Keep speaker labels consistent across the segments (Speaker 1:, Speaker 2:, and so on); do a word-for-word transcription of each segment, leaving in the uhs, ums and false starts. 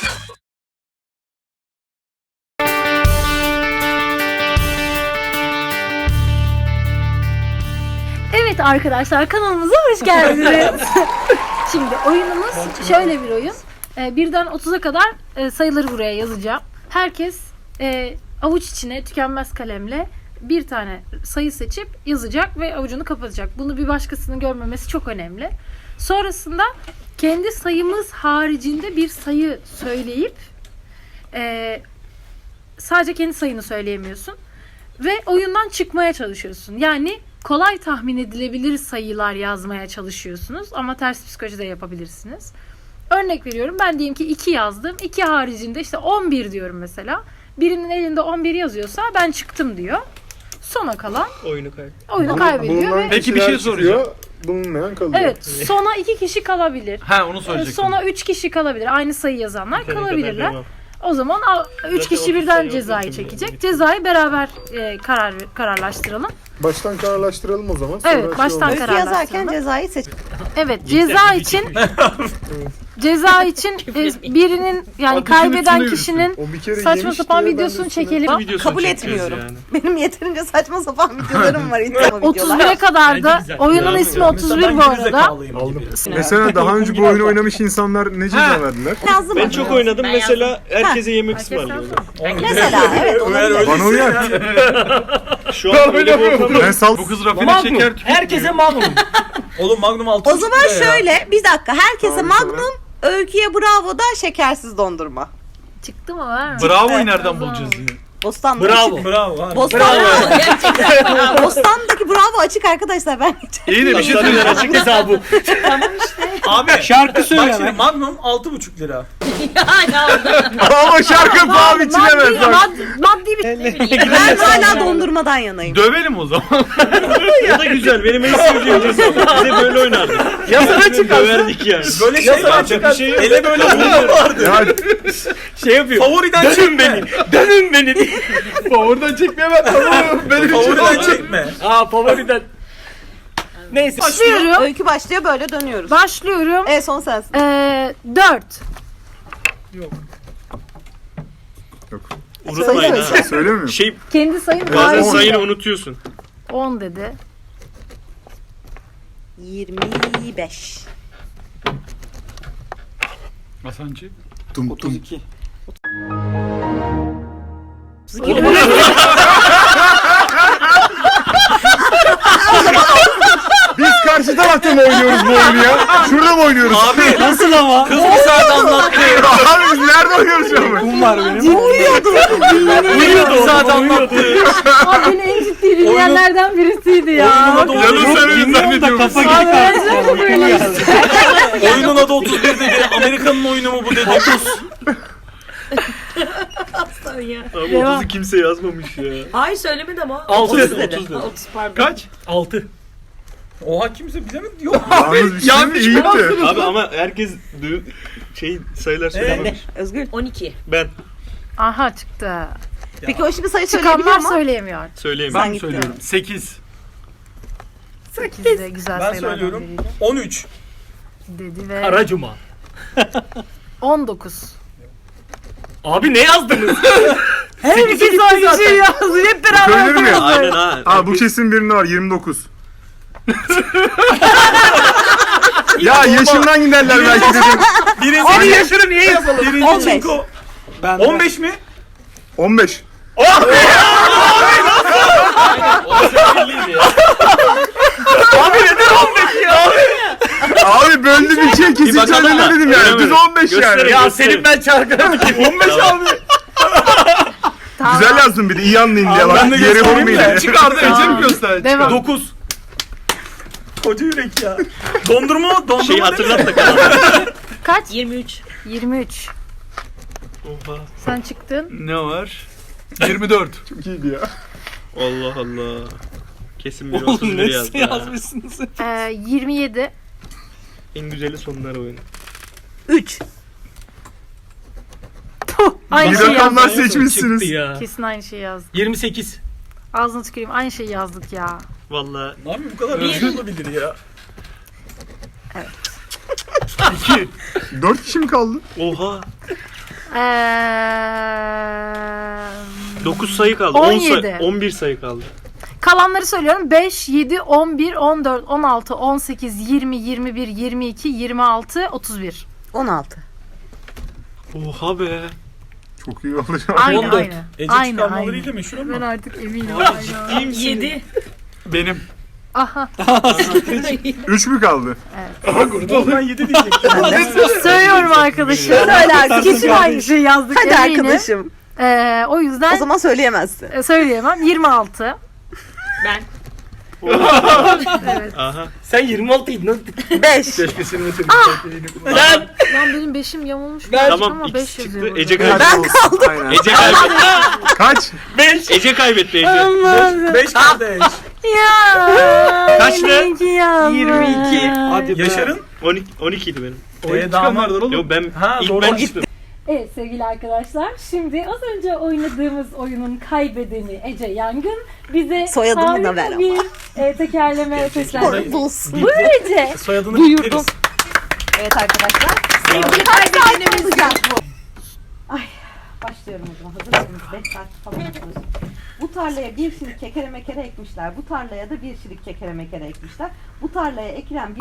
Speaker 1: Evet arkadaşlar, kanalımıza hoş geldiniz. Şimdi oyunumuz şöyle bir oyun. Ee, birden otuza kadar e, sayıları buraya yazacağım. Herkes e, avuç içine tükenmez kalemle bir tane sayı seçip yazacak ve avucunu kapatacak. Bunu bir başkasının görmemesi çok önemli. Sonrasında kendi sayımız haricinde bir sayı söyleyip e, sadece kendi sayını söyleyemiyorsun. Ve oyundan çıkmaya çalışıyorsun. Yani kolay tahmin edilebilir sayılar yazmaya çalışıyorsunuz. Ama ters psikoloji de yapabilirsiniz. Örnek veriyorum. Ben diyelim ki iki yazdım. iki haricinde işte on bir diyorum mesela. Birinin elinde on bir yazıyorsa ben çıktım diyor. Sona kalan
Speaker 2: oyunu kaybediyor.
Speaker 1: Oyunu kaybediyor ve...
Speaker 3: Peki bir şey soracağım.
Speaker 4: Bulunmayan kalıyor.
Speaker 1: Evet. Sona iki kişi kalabilir.
Speaker 3: Ha onu soracaktım.
Speaker 1: Sona üç kişi kalabilir. Aynı sayı yazanlar
Speaker 2: Yeteri
Speaker 1: kalabilirler.
Speaker 2: kadar
Speaker 1: O zaman üç
Speaker 2: Zaten
Speaker 1: kişi
Speaker 2: otuz
Speaker 1: birden
Speaker 2: sayı
Speaker 1: cezayı
Speaker 2: olduğu için
Speaker 1: çekecek.
Speaker 2: yani.
Speaker 1: Cezayı beraber e, karar kararlaştıralım.
Speaker 4: Baştan kararlaştıralım o zaman. Sonra
Speaker 1: Evet,
Speaker 4: şey
Speaker 1: baştan
Speaker 4: olmaz.
Speaker 1: karar-
Speaker 5: Öykü yazarken cezayı seç.
Speaker 1: Evet, ceza için ceza için e, birinin yani
Speaker 3: Ateşin
Speaker 1: kaybeden
Speaker 3: üstüne
Speaker 1: kişinin
Speaker 4: O bir kere
Speaker 1: saçma
Speaker 4: yemiş
Speaker 1: sapan
Speaker 4: diye ben de
Speaker 1: videosunu
Speaker 4: üstüne-
Speaker 1: çekelim.
Speaker 2: Videosunu
Speaker 5: Kabul
Speaker 2: çekeceğiz
Speaker 5: etmiyorum.
Speaker 2: yani.
Speaker 5: Benim yeterince saçma sapan videolarım var. İnternet
Speaker 1: otuz
Speaker 5: videolar.
Speaker 1: bire kadar da
Speaker 3: Bence güzel.
Speaker 1: oyunun
Speaker 2: Güzel.
Speaker 1: ismi otuz bir bu arada.
Speaker 4: Aldım. Mesela daha önce bu oyunu oynamış insanlar ne ceza verdiler?
Speaker 5: Yazdım
Speaker 2: Ben
Speaker 5: mı?
Speaker 2: çok oynadım. Mesela herkese yemek ısmarlıyorum.
Speaker 5: Mesela evet olabilir.
Speaker 4: Bana uyar.
Speaker 2: Şu an öyle bir ortam.
Speaker 4: Ben sal...
Speaker 3: Bu kız rafine
Speaker 6: Magnum.
Speaker 3: şeker tüketiyor.
Speaker 6: Herkese Magnum. Oğlum Magnum altı
Speaker 5: O zaman şöyle bir dakika herkese
Speaker 4: Tamam,
Speaker 5: Magnum, Öykü'ye Bravo da şekersiz dondurma.
Speaker 1: Çıktı mı var mı?
Speaker 3: Bravo'yu nereden bulacağız ya?
Speaker 5: Bostan'daki
Speaker 6: Bravo. Bravo. Abi.
Speaker 5: Bostan... Bostan'daki Bravo açık arkadaşlar ben
Speaker 3: İyi de bir şey
Speaker 2: Taşlar
Speaker 3: söyleyeceğim.
Speaker 2: açık hesabı.
Speaker 6: Abi
Speaker 7: Şarkı söyle
Speaker 6: bak şimdi
Speaker 7: lan.
Speaker 6: Magnum altı buçuk lira.
Speaker 4: Ama şarkı paha biçilemez
Speaker 1: Maddi,
Speaker 4: bak.
Speaker 1: maddi, maddi bir
Speaker 5: ben hala dondurmadan yanayım.
Speaker 3: Dövelim o zaman.
Speaker 2: O da güzel. Benim en sevdiğim ceza. Bize böyle oynardık.
Speaker 6: Yasana çıkarsın.
Speaker 2: Döverdik yani.
Speaker 6: Böyle şey var.
Speaker 2: Bir şey yok.
Speaker 6: Ele böyle vuruyor.
Speaker 4: Ya
Speaker 6: Şey yapıyor. Favoriden dönün beni. Dönün beni diye.
Speaker 4: oradan çekmeyemem tamam. Benim
Speaker 6: Favoriden çekme. Aa favoriden. Neyse.
Speaker 1: başlıyorum.
Speaker 5: Öykü başlıyor böyle dönüyoruz.
Speaker 1: Başlıyorum.
Speaker 5: E son sensin.
Speaker 1: Ee, dört.
Speaker 2: Unutmayın ha.
Speaker 4: Söylemiyor musun?
Speaker 2: Şey
Speaker 1: Kendi sayım
Speaker 2: bazen
Speaker 1: haricinde.
Speaker 2: sayını unutuyorsun.
Speaker 1: on dedi.
Speaker 5: yirmi beş.
Speaker 3: Hasancı.
Speaker 4: Tum tum. Biz karşı tarafta mı oynuyoruz bu oyunu ya? Şurada mı oynuyoruz?
Speaker 6: Abi nasıl ama? Kız bir saat anlattı.
Speaker 4: Abi biz nerede oynuyoruz şu an?
Speaker 6: Kum var benim. Uyuyordu. Uyuyordu bir saat anlattı.
Speaker 1: Abi beni en ciddi dinleyenlerden birisiydi ya.
Speaker 3: Yalan söylüyorum zannediyorum.
Speaker 6: Kafa
Speaker 1: Abi
Speaker 6: gitti.
Speaker 1: ben de böyle.
Speaker 6: Oyunun adı otuz bir dedi. Amerika'nın oyunu mu bu dedi.
Speaker 2: Abi
Speaker 1: Devam.
Speaker 2: otuzu kimse yazmamış ya.
Speaker 8: Hayır söylemedi ama.
Speaker 6: altı
Speaker 2: otuz
Speaker 6: dedi.
Speaker 2: dedi.
Speaker 8: otuz pardon.
Speaker 3: Kaç?
Speaker 6: altı. Oha kimse bilemedi. Yok.
Speaker 4: Yalnız bir şey mi? İyi ki.
Speaker 2: Abi ama herkes du- şey sayılar söylememiş.
Speaker 5: Özgür.
Speaker 8: on iki.
Speaker 2: Ben
Speaker 1: Aha çıktı.
Speaker 5: Peki o şimdi sayı söyleyebiliyor
Speaker 1: Çıkanlar
Speaker 5: mu?
Speaker 1: söyleyemiyor.
Speaker 2: söyleyeyim.
Speaker 3: Ben mi
Speaker 5: gittin.
Speaker 3: söylüyorum? sekiz.
Speaker 1: sekiz de güzel
Speaker 6: Ben
Speaker 1: sayılardan
Speaker 6: söylüyorum.
Speaker 1: biriydi.
Speaker 6: on üç.
Speaker 1: Dedi ve
Speaker 6: Kara Cuma.
Speaker 1: on dokuz.
Speaker 6: Abi ne yazdınız?
Speaker 1: Herkes aynı şeyi yazdı. Hep beraber
Speaker 4: Söylenir mi?
Speaker 1: yazdı.
Speaker 2: Aynen ha.
Speaker 4: Aa bu kesin birinde var yirmi dokuz. Ya yaşından giderler belki dedim.
Speaker 6: Birinci yaşını niye yazalım? Birinci
Speaker 5: on beş.
Speaker 6: çinko. on beş mi?
Speaker 4: on beş.
Speaker 6: Abi neden on beş ya?
Speaker 4: Abi böldü bir şey kesin
Speaker 2: bakalım
Speaker 4: söylenir
Speaker 2: da.
Speaker 4: dedim yani.
Speaker 2: Öyle
Speaker 4: Düz
Speaker 2: mi?
Speaker 4: on beş yani.
Speaker 2: Gösterin.
Speaker 6: Ya senin ben çarkına on beş abi.
Speaker 1: Tamam.
Speaker 4: Güzel yazdın bir de iyi anlayayım diye.
Speaker 6: Ben de
Speaker 4: Bak diğeri
Speaker 6: göstereyim
Speaker 4: vurmayayım
Speaker 6: de.
Speaker 4: diye.
Speaker 3: Çıkardı
Speaker 1: Tamam.
Speaker 3: Ece mi gösterdi?
Speaker 1: Devam.
Speaker 6: dokuz. Koca yürek ya. Dondurma mı? Dondurma
Speaker 2: Şeyi
Speaker 6: değil mi?
Speaker 2: hatırlat da kalan.
Speaker 1: Kaç?
Speaker 8: yirmi üç.
Speaker 1: yirmi üç.
Speaker 2: Oha.
Speaker 1: Sen çıktın.
Speaker 3: Ne var? yirmi dört.
Speaker 4: Çok iyiydi ya.
Speaker 2: Allah Allah. Kesin bir otuz bir yazdı. ha.
Speaker 6: yazmışsınız?
Speaker 1: Ee, yirmi yedi.
Speaker 2: En güzeli sonlar oyunu.
Speaker 5: üç.
Speaker 1: Aynı
Speaker 4: Bir
Speaker 1: şeyi
Speaker 4: rakamlar
Speaker 1: yazdık.
Speaker 4: seçmişsiniz.
Speaker 6: Çıktı ya.
Speaker 1: Kesin aynı şeyi yazdık.
Speaker 6: yirmi sekiz.
Speaker 1: Ağzına tüküreyim. Aynı şeyi yazdık ya.
Speaker 2: Vallahi
Speaker 6: Abi bu kadar hızlı olabilir ya.
Speaker 4: Dört kişi mi kaldı?
Speaker 2: oha.
Speaker 1: Ee,
Speaker 2: dokuz sayı kaldı.
Speaker 1: on
Speaker 2: on
Speaker 1: yedi.
Speaker 2: sayı, on bir sayı kaldı.
Speaker 1: kalanları söylüyorum. beş, yedi, on bir, on dört, on altı, on sekiz, yirmi, yirmi bir, yirmi iki, yirmi altı, otuz bir.
Speaker 5: on altı.
Speaker 2: Oha be.
Speaker 4: Çok iyi olacak.
Speaker 1: Aynı
Speaker 6: on dört.
Speaker 1: aynı.
Speaker 6: Ece
Speaker 1: Aynı
Speaker 6: çıkarmalarıyla
Speaker 1: aynı.
Speaker 6: meşhur
Speaker 1: Ben
Speaker 6: ama.
Speaker 1: artık eminim. Aynen.
Speaker 7: yedi.
Speaker 3: Benim.
Speaker 1: Aha.
Speaker 4: Üç mü kaldı?
Speaker 6: Ben yedi diyecektim.
Speaker 1: Söylüyorum arkadaşım.
Speaker 5: Söylersin.
Speaker 1: Kesin aynı şeyi yazdık
Speaker 5: Hadi
Speaker 1: eminim.
Speaker 5: arkadaşım.
Speaker 1: Ee, o yüzden
Speaker 5: O zaman söyleyemezsin.
Speaker 1: e, söyleyemem. yirmi altı.
Speaker 7: Ben.
Speaker 1: Evet.
Speaker 2: Aha.
Speaker 6: Sen yirmi altıydın.
Speaker 5: beş.
Speaker 3: Keşke senin ötürü.
Speaker 6: Lan.
Speaker 1: Lan benim beşim yamulmuş.
Speaker 6: Ben-
Speaker 2: Tamam
Speaker 1: ama
Speaker 2: X
Speaker 1: beş
Speaker 2: çıktı.
Speaker 1: yazıyor burada.
Speaker 2: Ece kaybetti.
Speaker 4: Ben kaldım. Aynen.
Speaker 2: Ece kaybetti.
Speaker 4: Kaç?
Speaker 6: beş.
Speaker 2: Ece kaybetti Ece.
Speaker 6: beş kardeş.
Speaker 1: Ya.
Speaker 2: Kaçtı?
Speaker 1: yirmi iki yazdım.
Speaker 6: yirmi iki. Hadi Yaşar'ın?
Speaker 2: on iki, on iki idi benim.
Speaker 6: Ee, damat.
Speaker 2: Yok ben
Speaker 6: Ha,
Speaker 2: ilk
Speaker 6: doğru.
Speaker 2: ben
Speaker 6: O
Speaker 2: çıktım.
Speaker 1: Evet sevgili arkadaşlar, şimdi az önce oynadığımız oyunun kaybedeni Ece Yangın bize
Speaker 5: Soyadımı da
Speaker 1: harika
Speaker 5: ver ama.
Speaker 1: bir e, tekerleme seslendirdi.
Speaker 5: Buz.
Speaker 1: Buyur Ece.
Speaker 6: Soyadını
Speaker 1: Buyurdum.
Speaker 6: bitleriz.
Speaker 5: Evet arkadaşlar.
Speaker 7: Sevgili kaybedenimiz.
Speaker 5: Ay, başlıyorum o zaman. Hazır mısınız? beş saat falan yapıyoruz. Bu tarlaya bir şirik kekere mekere ekmişler. Bu tarlaya da bir şirik kekere mekere ekmişler. Bu tarlaya ekilen bir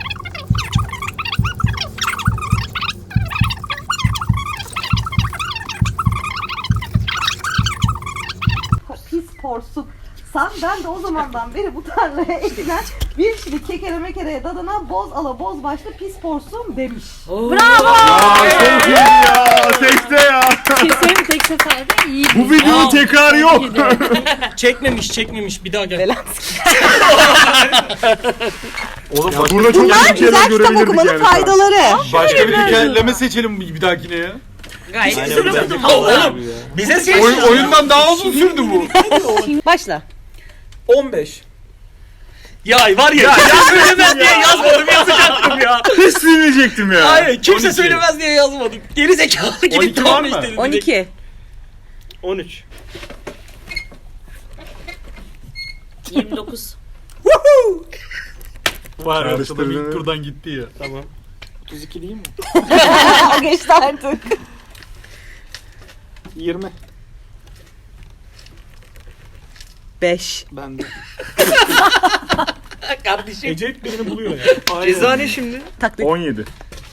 Speaker 5: pis porsuk. Sen ben de o zamandan beri bu tarlaya ekilen bir şirik kekere mekereye dadanan boz ala boz başlı pis porsum demiş.
Speaker 4: Aa, çok iyi ya. Tekte ya.
Speaker 1: Kesin tek seferde iyi.
Speaker 4: Bu videonun tekrarı yok.
Speaker 6: Çekmemiş çekmemiş bir daha gel.
Speaker 3: Oğlum
Speaker 4: Ya
Speaker 3: başka,
Speaker 4: burada çok
Speaker 5: Bunlar
Speaker 4: iyi
Speaker 5: güzel
Speaker 4: şeyler
Speaker 5: kitap
Speaker 4: görebilirdik
Speaker 5: okumanın
Speaker 4: yani.
Speaker 5: faydaları.
Speaker 3: başka bir hikayeleme seçelim bir dahakine ya.
Speaker 7: Gayet
Speaker 2: Aynen,
Speaker 7: güzel
Speaker 2: bence
Speaker 7: oldu.
Speaker 6: Oğlum bize seç.
Speaker 3: Oyun, oyundan daha uzun sürdü bu.
Speaker 5: Başla.
Speaker 6: on beş. Ya var ya, ya söylemez diye yazmadım yazacaktım ya.
Speaker 4: Hiç silmeyecektim ya.
Speaker 6: Hayır kimse
Speaker 3: on iki.
Speaker 6: söylemez diye yazmadım. Geri zekalı gibi
Speaker 3: on iki var
Speaker 6: tamam
Speaker 3: mı?
Speaker 6: işte.
Speaker 5: on iki.
Speaker 2: on üç.
Speaker 7: yirmi dokuz.
Speaker 3: Var arkada
Speaker 4: Karıştırdın.
Speaker 3: ilk turdan gitti ya.
Speaker 2: Tamam.
Speaker 6: otuz iki değil mi?
Speaker 5: Geçti artık.
Speaker 6: yirmi.
Speaker 5: beş.
Speaker 6: Ben de. Kardeşim. Ece hep birini buluyor ya.
Speaker 2: Ceza ne şimdi?
Speaker 5: Taklit.
Speaker 4: on yedi.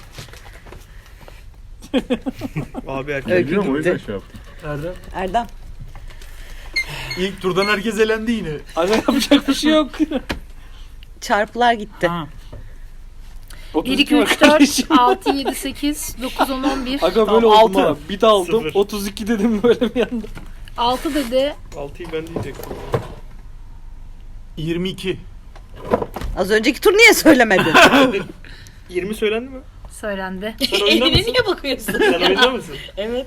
Speaker 2: Abi erkek.
Speaker 5: Öykü
Speaker 4: Biliyorum o yüzden
Speaker 5: gitti.
Speaker 4: şey yaptım.
Speaker 6: Erdem.
Speaker 5: Erdem.
Speaker 3: İlk turdan herkes elendi yine.
Speaker 6: Aga yapacak bir şey yok.
Speaker 5: Çarpılar gitti.
Speaker 6: Ha.
Speaker 1: bir, iki, üç, dört, altı, yedi, sekiz, dokuz, on, on bir.
Speaker 6: Aga böyle
Speaker 2: Tamam,
Speaker 6: oldu
Speaker 2: altı.
Speaker 6: ha. Bir daha aldım.
Speaker 2: Sıfır.
Speaker 6: otuz iki dedim böyle bir anda.
Speaker 1: altı dedi.
Speaker 2: altıyı ben diyecektim.
Speaker 3: yirmi iki.
Speaker 5: Az önceki tur niye söylemedin?
Speaker 2: yirmi söylendi mi?
Speaker 1: Söylendi.
Speaker 2: Sen oyunda
Speaker 7: Eline
Speaker 2: mısın?
Speaker 7: niye bakıyorsun?
Speaker 2: Sen oyunda mısın?
Speaker 7: Evet.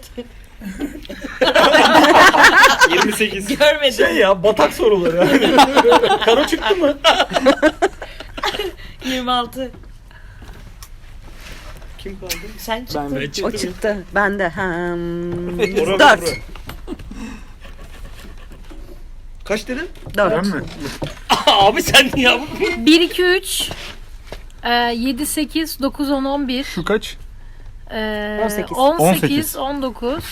Speaker 2: yirmi sekiz.
Speaker 7: Görmedim.
Speaker 6: Şey ya batak soruları yani. Karo çıktı mı?
Speaker 7: yirmi altı.
Speaker 2: Kim kaldı?
Speaker 7: Sen çıktın.
Speaker 6: Ben de
Speaker 5: O çıktı. Ben de. Hmm,
Speaker 2: Bora,
Speaker 5: dört.
Speaker 2: Bora. Kaç dedin?
Speaker 4: Ben
Speaker 5: Dört.
Speaker 4: mi?
Speaker 6: Abi sen niye ya?
Speaker 1: bir, iki, üç, yedi, sekiz, dokuz, on, on bir.
Speaker 3: Şu kaç?
Speaker 1: Ee,
Speaker 5: on sekiz.
Speaker 1: on sekiz, on dokuz.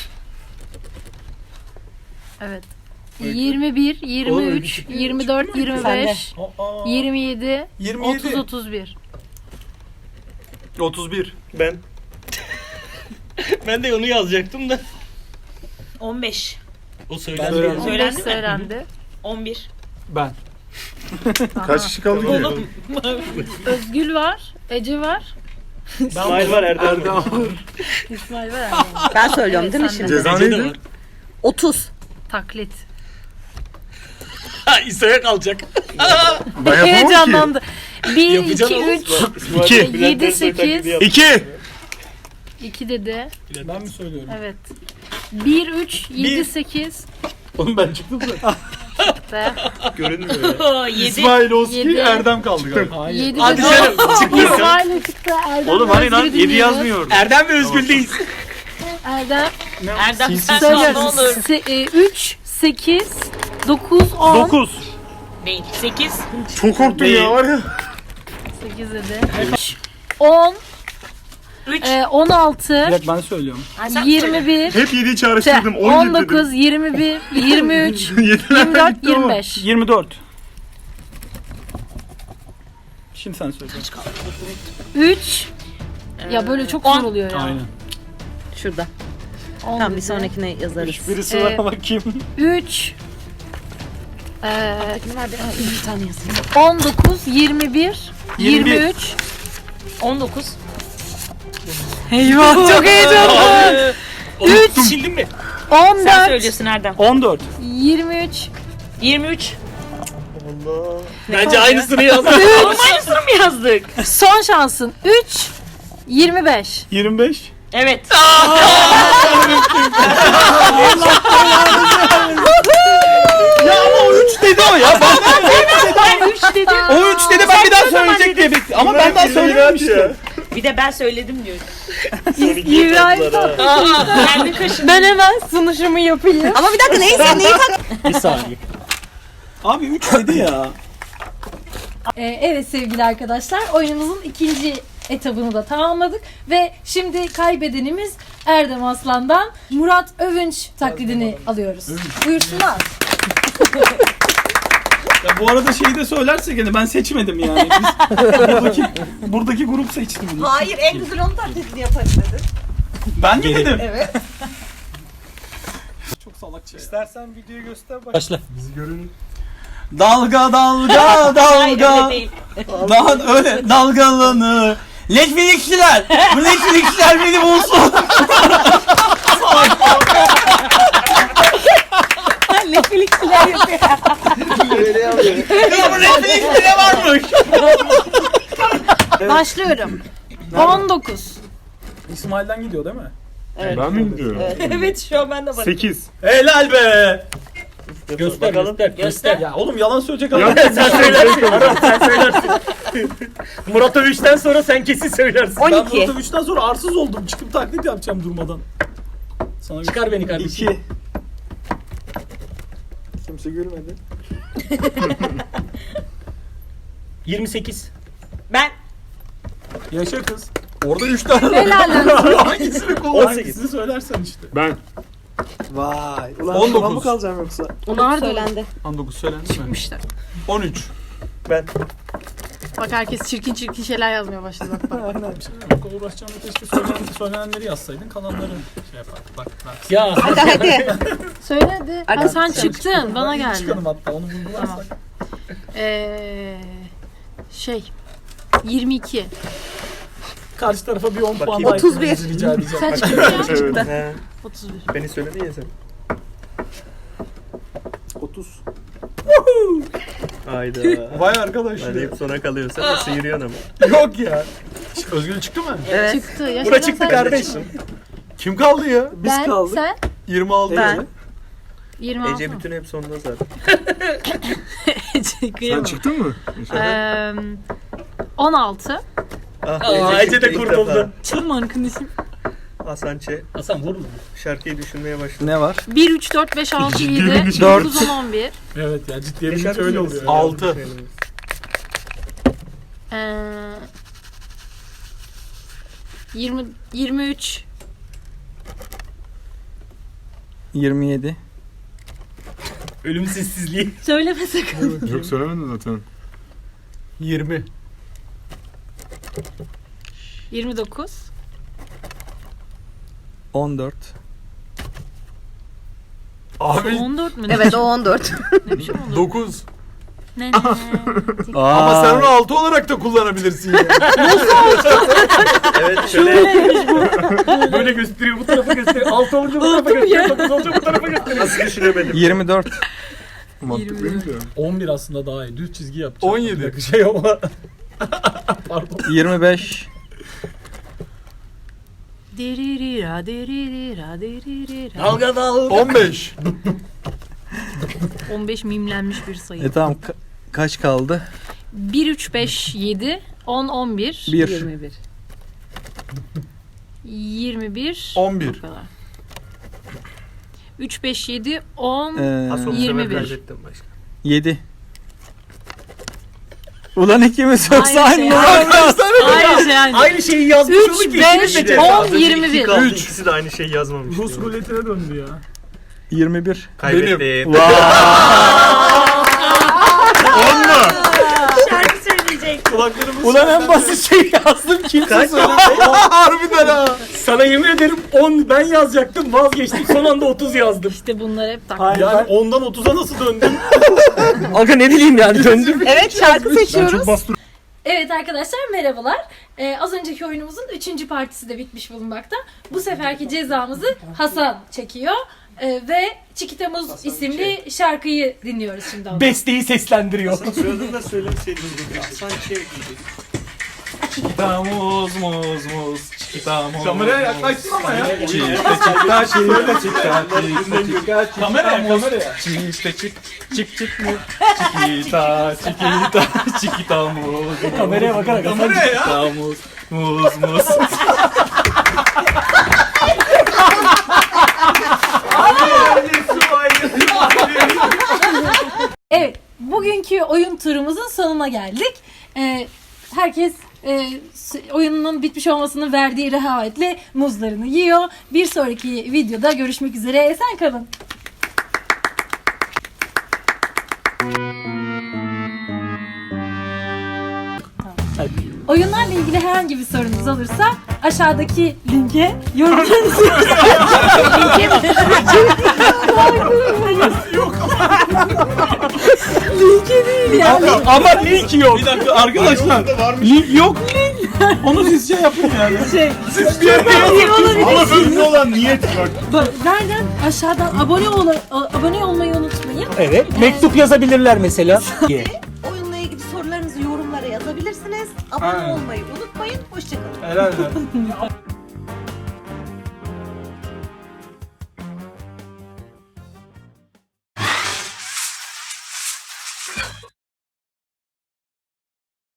Speaker 1: Evet. yirmi bir, yirmi üç, yirmi dört, yirmi beş, yirmi yedi,
Speaker 6: yirmi
Speaker 1: otuz,
Speaker 6: yedi.
Speaker 1: otuz bir.
Speaker 3: otuz bir.
Speaker 2: Ben.
Speaker 6: Ben de onu yazacaktım da.
Speaker 7: on beş.
Speaker 6: O
Speaker 3: Ben
Speaker 6: söylendi.
Speaker 3: de-
Speaker 1: on beş
Speaker 7: Söylendi mi?
Speaker 1: söylendi.
Speaker 7: on bir.
Speaker 3: Ben.
Speaker 4: Kaç kişi kaldı ki?
Speaker 6: Oğlum.
Speaker 1: Özgül var, Ece var,
Speaker 2: İsmail var, Erdem var.
Speaker 3: Erdem var.
Speaker 1: İsmail var. Erdem var.
Speaker 5: Ben söylüyorum
Speaker 1: Evet,
Speaker 5: değil mi
Speaker 1: sen de.
Speaker 5: şimdi?
Speaker 4: Ceza
Speaker 6: Ece de
Speaker 4: neydi?
Speaker 6: var.
Speaker 5: otuz.
Speaker 1: Taklit.
Speaker 6: Ha İsa'ya kalacak.
Speaker 4: Ben yapamam ki.
Speaker 1: Heyecanlandı. bir,
Speaker 6: Yapacaksın
Speaker 1: iki,
Speaker 6: oğlum.
Speaker 1: üç,
Speaker 2: İsmail
Speaker 4: İki.
Speaker 2: Bülent
Speaker 1: Yedi,
Speaker 2: Ersoy taklidi
Speaker 1: sekiz.
Speaker 2: yaptı.
Speaker 4: İki.
Speaker 1: iki dedi.
Speaker 6: Ben mi söylüyorum?
Speaker 1: Evet. bir, üç, yedi,
Speaker 6: Bir.
Speaker 1: sekiz.
Speaker 3: Oğlum ben çıktım da.
Speaker 1: Ve
Speaker 2: Görünmüyor ya.
Speaker 7: yedi.
Speaker 3: İsmail Oski,
Speaker 1: Yedi.
Speaker 3: Erdem kaldı galiba.
Speaker 1: yedi
Speaker 6: Hadi
Speaker 1: dedi.
Speaker 6: canım. Çıkmıyor.
Speaker 1: İsmail çıktı. Erdem
Speaker 2: Oğlum hani lan
Speaker 1: Özgür'ü
Speaker 2: yedi
Speaker 1: dinliyoruz.
Speaker 2: yazmıyor.
Speaker 6: Erdem ve Özgül'deyiz.
Speaker 1: Erdem.
Speaker 7: Erdem sen ne
Speaker 1: Söylüyorum.
Speaker 7: olur.
Speaker 1: üç, sekiz, dokuz, on.
Speaker 2: dokuz.
Speaker 7: Değil. sekiz.
Speaker 4: Çok korktum ya var ya.
Speaker 1: sekiz dedi. üç, on,
Speaker 7: üç.
Speaker 1: e, on altı,
Speaker 6: Bir dakika ben söylüyorum.
Speaker 7: Ha, sen söyle.
Speaker 1: yirmi bir,
Speaker 4: Hep yediği
Speaker 1: işte
Speaker 4: çağrıştırdım. on
Speaker 1: on
Speaker 4: yedi
Speaker 1: dokuz, yirmi bir, yirmi üç,
Speaker 4: dedim. Yediler
Speaker 1: yirmi dört,
Speaker 4: gitti ama.
Speaker 1: yirmi beş.
Speaker 6: yirmi dört. Şimdi sen söyle.
Speaker 1: üç. Ya böyle çok zor oluyor ya.
Speaker 6: Aynen.
Speaker 5: Şurada.
Speaker 1: on
Speaker 5: Tamam bir
Speaker 1: dedi.
Speaker 5: sonrakine yazarız.
Speaker 6: Birisi
Speaker 1: Ee,
Speaker 6: var bakayım.
Speaker 1: üç. Eee
Speaker 5: Ne var bir, Aa, bir tane yazayım.
Speaker 1: on dokuz, yirmi bir,
Speaker 6: yirmi bir.
Speaker 1: yirmi üç.
Speaker 7: on dokuz.
Speaker 1: Eyvah çok heyecanlı.
Speaker 7: üç. Sildin mi?
Speaker 1: on
Speaker 7: Sen
Speaker 1: dört,
Speaker 7: söylüyorsun Erdem.
Speaker 6: on dört.
Speaker 1: yirmi üç,
Speaker 7: yirmi üç.
Speaker 2: Allah.
Speaker 6: Bence aynısını yazdım.
Speaker 7: Oğlum aynısını mı yazdık?
Speaker 1: son şansın üç, yirmi beş.
Speaker 6: yirmi beş.
Speaker 7: Evet.
Speaker 6: Ya ama o üç dedi o ya. Ben,
Speaker 7: Ben üç dedim.
Speaker 6: o üç dedi ben bir daha söyleyecek diye bekledim. Ama ben daha söylememiştim.
Speaker 7: Bir de ben söyledim diyor.
Speaker 1: İbrahim
Speaker 7: Aa, kendi kaşın.
Speaker 1: ben hemen sunuşumu yapayım.
Speaker 5: Ama bir dakika neyse neyi tak?
Speaker 6: Bir saniye. Abi üç dedi ya.
Speaker 1: Ee, evet sevgili arkadaşlar oyunumuzun ikinci etabını da tamamladık ve şimdi kaybedenimiz Erdem Aslan'dan Murat Övünç taklidini alıyoruz. Buyursunlar.
Speaker 6: Ya bu arada şeyi de söylersek yani ben seçmedim yani. Biz, buradaki, buradaki grup seçti bunu.
Speaker 5: Hayır en güzel onun taklidini yaparız dedi.
Speaker 6: Ben mi dedim?
Speaker 5: Evet.
Speaker 6: Çok salakça ya.
Speaker 3: İstersen videoyu göster bak.
Speaker 6: Başla.
Speaker 4: Bizi görün.
Speaker 6: Dalga dalga
Speaker 7: Hayır öyle
Speaker 6: dalga.
Speaker 7: değil.
Speaker 6: Daha öyle dalgalanır. Netflix'çiler. Bu Netflix'çiler beni bulsun.
Speaker 5: Netflix'ler yapıyor.
Speaker 6: Ya bu Netflix'te ne varmış?
Speaker 1: Başlıyorum. on dokuz.
Speaker 6: İsmail'den gidiyor değil mi?
Speaker 4: Ben mi gidiyorum?
Speaker 7: Evet şu an ben de varım.
Speaker 4: sekiz.
Speaker 6: Helal be.
Speaker 2: Göster
Speaker 6: göster,
Speaker 7: Göster.
Speaker 6: Ya oğlum yalan söyleyecek adam.
Speaker 4: Ya sen söylersin.
Speaker 2: Sen söylersin. Murat Övüş'ten sonra sen kesin söylersin.
Speaker 6: Ben
Speaker 5: on iki.
Speaker 6: Murat üçten sonra arsız oldum. Çıkıp taklit yapacağım durmadan. Sana
Speaker 2: Çıkar beni kardeşim.
Speaker 6: İki.
Speaker 4: Kimse görmedi.
Speaker 2: yirmi sekiz.
Speaker 7: Ben
Speaker 6: Yaşa kız. Orada üç tane var.
Speaker 1: Helal olsun.
Speaker 6: Hangisini kullan?
Speaker 2: on sekiz.
Speaker 6: Hangisini söylersen işte.
Speaker 4: Ben.
Speaker 3: Vay. Ulan
Speaker 6: on dokuz.
Speaker 3: şuna mı kalacağım yoksa?
Speaker 1: Onlar da
Speaker 5: Söylendi.
Speaker 6: on dokuz söylendi mi?
Speaker 1: çıkmışlar.
Speaker 6: on üç.
Speaker 2: Ben.
Speaker 1: Bak herkes çirkin çirkin şeyler yazmaya başladı bak bak.
Speaker 6: Bir şey yok. Uğraşacağını keşke söylenen, söylenenleri yazsaydın. Kalanları şey yapardık. Bak bak.
Speaker 2: Ya.
Speaker 5: Hadi hadi.
Speaker 1: Söyle hadi. Ha, sen
Speaker 6: Sen
Speaker 1: çıktın
Speaker 6: çıkmadın.
Speaker 1: bana
Speaker 6: Ben ilk
Speaker 1: geldi.
Speaker 6: çıkalım hatta onu vurgularsak.
Speaker 1: Ee, şey yirmi iki.
Speaker 6: Karşı tarafa bir on puan
Speaker 2: Bakayım.
Speaker 6: daha
Speaker 5: otuz bir.
Speaker 6: eklemenizi rica edeceğim.
Speaker 1: Sen çıktın ya.
Speaker 2: He,
Speaker 1: otuz bir.
Speaker 2: beni söyledin ya sen.
Speaker 3: otuz.
Speaker 2: Hayda.
Speaker 3: Vay arkadaş
Speaker 2: Hadi
Speaker 3: ya.
Speaker 2: hep sona kalıyorsun ama sıyırıyorsun ama.
Speaker 3: Yok ya.
Speaker 6: Özgül çıktı mı?
Speaker 5: Evet.
Speaker 1: Çıktı. Yaşar
Speaker 2: Bura
Speaker 1: sen
Speaker 2: çıktı
Speaker 1: çıktın.
Speaker 2: kardeş.
Speaker 3: Kim kaldı ya? Biz
Speaker 1: Ben,
Speaker 3: kaldık.
Speaker 1: sen
Speaker 3: yirmi altı.
Speaker 5: Ben.
Speaker 1: yirmi altı.
Speaker 2: Ece bütün hep sonunda zaten.
Speaker 1: Ece
Speaker 4: Sen çıktın mı?
Speaker 1: Eee, on altı.
Speaker 2: Ah, Aa, Ece de ilk kurtuldu. defa.
Speaker 1: Canım arkadaşım.
Speaker 2: Hasan Ç.
Speaker 6: Hasan vur mu?
Speaker 2: Şarkıyı düşünmeye başladı.
Speaker 6: Ne var?
Speaker 1: bir, üç, dört, beş, altı, yedi,
Speaker 4: Ciddi
Speaker 1: dokuz, on, on bir.
Speaker 6: Evet ya ciddiye
Speaker 2: Ne
Speaker 6: bilince
Speaker 2: şarkı
Speaker 6: öyle
Speaker 2: söylüyorsun?
Speaker 6: oluyor.
Speaker 3: Altı.
Speaker 1: Eee, yirmi, yirmi üç.
Speaker 8: yirmi yedi.
Speaker 2: Ölüm sessizliği.
Speaker 1: Söyleme sakın.
Speaker 4: Yok söylemedin zaten.
Speaker 6: yirmi.
Speaker 1: yirmi dokuz.
Speaker 8: on dört.
Speaker 3: Abi
Speaker 1: on dört mü?
Speaker 5: Evet o on dört.
Speaker 1: Ne biçim on dört?
Speaker 3: dokuz.
Speaker 1: Ne ne?
Speaker 3: Ama sen onu altı olarak da kullanabilirsin ya.
Speaker 2: Evet şöyle. Böyle gösteriyor bu tarafa gösteriyor. Altı olunca bu tarafa gösteriyor. Dokuz olunca bu tarafa gösteriyor. Nasıl düşünemedim?
Speaker 8: yirmi dört.
Speaker 4: Mantıklıymış ya.
Speaker 6: on bir aslında daha iyi. Düz çizgi yapacağım.
Speaker 3: on yedi.
Speaker 6: Bir dakika şey ama. Pardon.
Speaker 8: yirmi beş.
Speaker 1: Diririra, diririra, diririra.
Speaker 2: Dalga dalga.
Speaker 3: on beş.
Speaker 1: on beş mimlenmiş bir sayı.
Speaker 8: E tamam ka- kaç kaldı?
Speaker 1: bir, üç, beş, yedi, on, on bir.
Speaker 8: bir.
Speaker 5: yirmi bir.
Speaker 1: yirmi bir.
Speaker 3: on bir.
Speaker 1: Bu kadar. üç, beş, yedi, on.
Speaker 8: Ee,
Speaker 2: Asıl
Speaker 1: yirmi
Speaker 2: sefer
Speaker 1: bir.
Speaker 2: kaybettim başka.
Speaker 8: yedi. Ulan ikimiz yoksa
Speaker 1: Aynı
Speaker 8: aynı
Speaker 1: şey.
Speaker 8: numara.
Speaker 1: Aynı şey aynı.
Speaker 6: Aynı şeyi yazmış
Speaker 1: üç,
Speaker 6: olduk ki.
Speaker 1: beş,
Speaker 6: ikimiz de-
Speaker 1: on,
Speaker 6: Az önce
Speaker 1: yirmi
Speaker 6: iki
Speaker 1: bir.
Speaker 6: kaldı,
Speaker 3: Üç.
Speaker 6: İkisi de aynı şeyi yazmamış.
Speaker 2: Rus ruletine döndü ya.
Speaker 8: yirmi bir.
Speaker 6: Kaybettin.
Speaker 3: On mu?
Speaker 7: Şarkı söyleyecek.
Speaker 3: Kulaklarımız.
Speaker 6: Ulan en basit şey yazdım kimse
Speaker 3: Kaç?
Speaker 6: söylemedi.
Speaker 3: Harbiden ha.
Speaker 2: Sana yemin ederim on ben yazacaktım vazgeçtim son anda otuz yazdım.
Speaker 1: İşte bunlar hep tak.
Speaker 3: Yani ondan otuza nasıl döndün?
Speaker 6: Aga ne bileyim yani döndüm.
Speaker 5: Evet şarkı seçiyoruz.
Speaker 1: Evet arkadaşlar merhabalar. Ee, az önceki oyunumuzun üçüncü partisi de bitmiş bulunmakta. Bu seferki cezamızı Hasan çekiyor. Ee, ve Çikitamuz isimli şarkıyı dinliyoruz şimdi. ondan.
Speaker 2: Besteyi seslendiriyor.
Speaker 3: Soyadını da söyleseydin. Sanki şey ekleyecek. Çikitamuz muz muz çikitamuz. Kameraya yaklaştın ama ya. Çifte çikta çifte çikta çifte kameraya kameraya. Çifte çik çik çik mu? Çikita çikita çikitamuz.
Speaker 2: Kameraya bakarak
Speaker 3: Kameraya ya. Çikitamuz muz muz.
Speaker 1: Evet, bugünkü oyun turumuzun sonuna geldik. Ee, herkes e, s- oyunun bitmiş olmasının verdiği rehavetle muzlarını yiyor. Bir sonraki videoda görüşmek üzere. Esen kalın. Oyunlarla ilgili herhangi bir sorunuz olursa aşağıdaki linke yorumlarınızı linke linke değil yani.
Speaker 2: Ama link yok.
Speaker 3: Bir dakika arkadaşlar. Link yok. Onu siz şey yapın yani.
Speaker 1: Şey,
Speaker 3: Siz bir yere
Speaker 4: Ama önemli olan niyet bak.
Speaker 1: bak, nereden aşağıdan abone ol abone olmayı unutmayın.
Speaker 2: Evet mektup yazabilirler mesela.
Speaker 5: Oyunla ilgili sorularınızı yorumlara yazabilirsiniz. Abone
Speaker 3: Aynen.
Speaker 5: olmayı unutmayın. Hoşçakalın.
Speaker 3: Herhalde.